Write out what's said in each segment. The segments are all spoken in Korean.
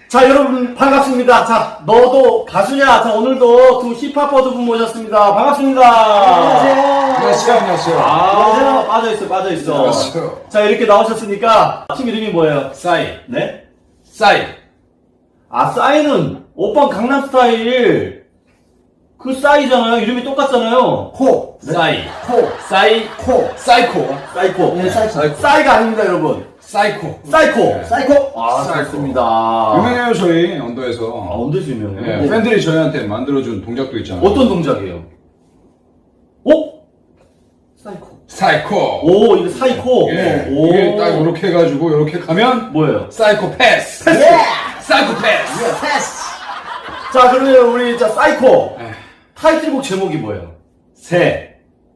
자, 여러분 반갑습니다. 자, 너도 가수냐? 자, 오늘도 두 힙합퍼 두 분 모셨습니다. 반갑습니다. 안녕하세요. 안녕하세요. 아, 빠져있어. 안녕하세요. 자, 이렇게 나오셨으니까 팀 이름이 뭐예요? 싸이. 네? 싸이. 아, 싸이는 오빠 강남스타일 그 싸이잖아요. 이름이 똑같잖아요. 코, 싸이. 코, 싸이. 코. 사이코. 사이코. 네, 사이코. 싸이가 아닙니다, 여러분. 사이코. 사이코. 네. 사이코. 아, 사이코. 좋습니다. 유명해요, 저희 아, 언더에서. 언제서 유명해요? 네, 팬들이 저희한테 만들어준 동작도 있잖아요. 어떤 동작이에요? 오? 사이코. 사이코. 오, 이거 사이코. 예. 오. 이게 딱 이렇게 해가지고 이렇게 가면 뭐예요? 사이코 패스. 예! 사이코 패스. 패스! 자, 그러면 우리 자 사이코 에. 타이틀곡 제목이 뭐예요? 새.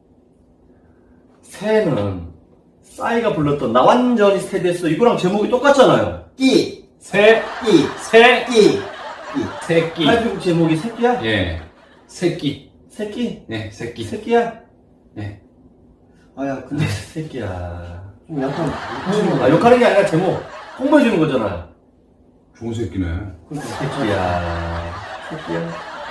새는 싸이가 불렀던 나 완전히 스테디했어. 이거랑 제목이 똑같잖아요. 끼, 새, 끼, 새, 끼. 새끼. 타이틀곡 제목이 새끼야? 예. 새끼. 새끼? 네, 새끼. 새끼야? 네. 아, 야, 근데 새끼야. 좀 약간, 아, 욕하는 게 아니라 제목 홍보해주는 거잖아요. 좋은 새끼네. 새끼야. 새끼야.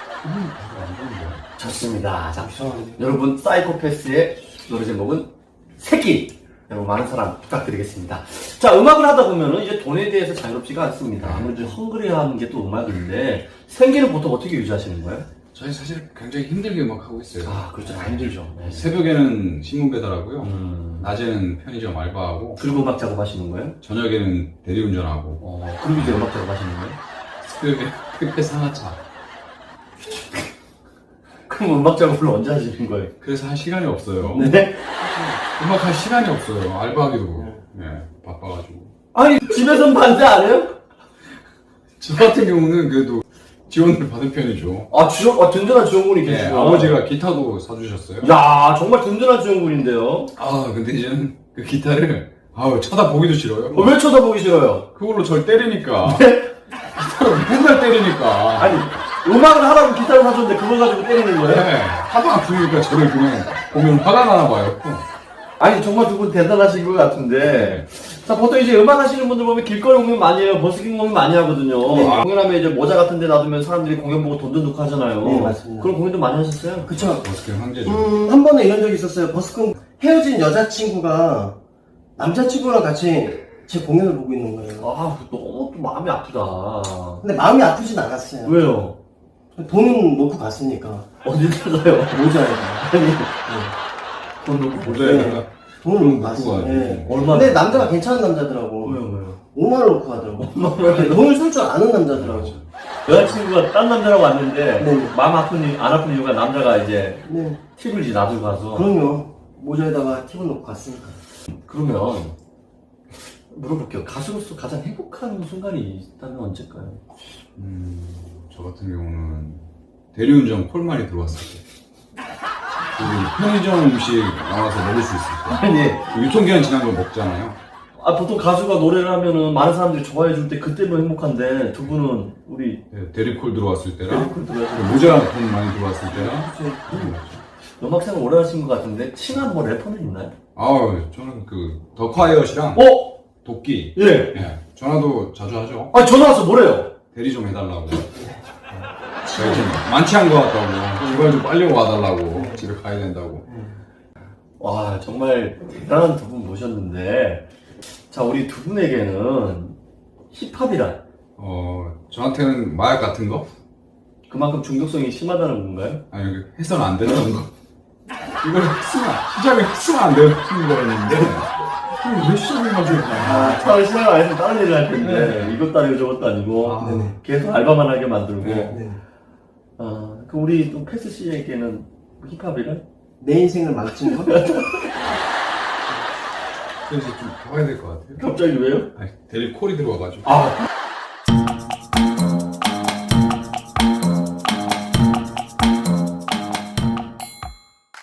좋습니다. 자, 여러분, 사이코패스의 노래 제목은 새끼. 여러분, 많은 사랑 부탁드리겠습니다. 자, 음악을 하다 보면은 이제 돈에 대해서 자유롭지가 않습니다. 아무래도 헝그리하는 게 또 음악인데, 생계는 보통 어떻게 유지하시는 거예요? 저희 사실 굉장히 힘들게 음악하고 있어요. 아, 그렇죠. 다 힘들죠. 네. 새벽에는 신문 배달하고요. 음. 낮에는 편의점 알바하고 그리고 음악 작업하시는 거예요? 저녁에는 대리운전하고 그리고 이제 음악 작업하시는 거예요? 새벽에 택배 상하차. 그럼 음악 작업을 언제 하시는 거예요? 그래서 할 시간이 없어요. 네? 음악 할 시간이 없어요. 알바하기도 바빠가지고. 아니, 집에선 반대 안 해요? 저 같은 경우는 그래도 지원을 받은 편이죠. 아, 든든한 지원군이 네, 계시구나. 아버지가 기타도 사주셨어요. 야, 정말 든든한 지원군인데요. 아 근데 이제는 그 기타를 쳐다보기도 싫어요. 왜 쳐다보기 싫어요? 그걸로 절 때리니까. 기타로 맨날 때리니까. 아니, 음악을 하라고 기타를 사줬는데 그걸 가지고 때리는 거예요? 네, 하도 아프니까 저를 그냥 보면 화가 나나 봐요. 아니, 정말 두 분 대단하신 것 같은데. 자, 보통 이제 음악 하시는 분들 보면 길거리 공연 많이 해요. 버스킹 공연 많이 하거든요. 네. 공연하면 이제 모자 같은 데 놔두면 사람들이 공연 보고 돈 든다고 하잖아요. 네, 맞습니다. 그런 공연도 많이 하셨어요? 그쵸. 버스킹 황제죠. 한 번은 이런 적이 있었어요. 버스킹 헤어진 여자친구가 남자친구랑 같이 제 공연을 보고 있는 거예요. 아, 너무 또 마음이 아프다. 근데 마음이 아프진 않았어요. 왜요? 돈은 놓고 갔으니까. 어디 가요? 모자에. 돈 놓고 모자에다가 돈을 돈 놓고 갔어요. 놓고 예. 얼마? 근데 남자가 괜찮은 남자더라고. 왜요? 5만원 놓고 가더라고. 돈을 쓸 줄 아는 남자더라고. 여자친구가 딴 남자라고 왔는데 네. 마음 안 아픈 이유가 남자가 이제 네. 팁을 이제 놔두고 가서. 그럼요. 모자에다가 팁을 놓고 갔으니까. 그러면 물어볼게요. 가수로서 가장 행복한 순간이 있다면 언제일까요? 저 같은 경우는 대리운전 콜말이 들어왔을 때. 그 편의점 음식 나와서 먹을 수 있을 때. 아니, 유통기한 지난 걸 먹잖아요. 보통 가수가 노래를 하면은 많은 사람들이 좋아해 줄 때 그때도 행복한데 두 분은 우리 네, 대리콜 들어왔을 때랑 대리콜 들어와서 모자 돈 많이 들어왔을 때랑. 음악생활 오래 하신 것 같은데 친한 뭐 래퍼는 있나요? 저는 그 더콰이엇이랑 도끼. 예. 예, 전화도 자주 하죠. 아니, 전화 와서 뭐래요? 대리 좀 해달라고. 제가 지금 만취한 것 같다고. 제발 좀 빨리 와달라고. 집에 가야 된다고. 와, 정말 대단한 두 분 모셨는데, 자, 우리 두 분에게는 힙합이란 저한테는 마약 같은 거? 그만큼 중독성이 심하다는 건가요? 아니, 해서는 안 되는 거. 이걸 시작을 했으면 안 되는 거였는데, 왜 시작해가지고. 처음에 시작을 안 했으면 다른 일을 할 텐데, 이것도 아니고 저것도 아니고, 네네. 계속 알바만 하게 만들고, 네. 그 우리 또 패스 씨에게는 힙합이란? 내 인생을 망친 거? 그래서 좀 가봐야 될 것 같아요. 갑자기 왜요? 아니, 대리 콜이 들어와가지고. 아,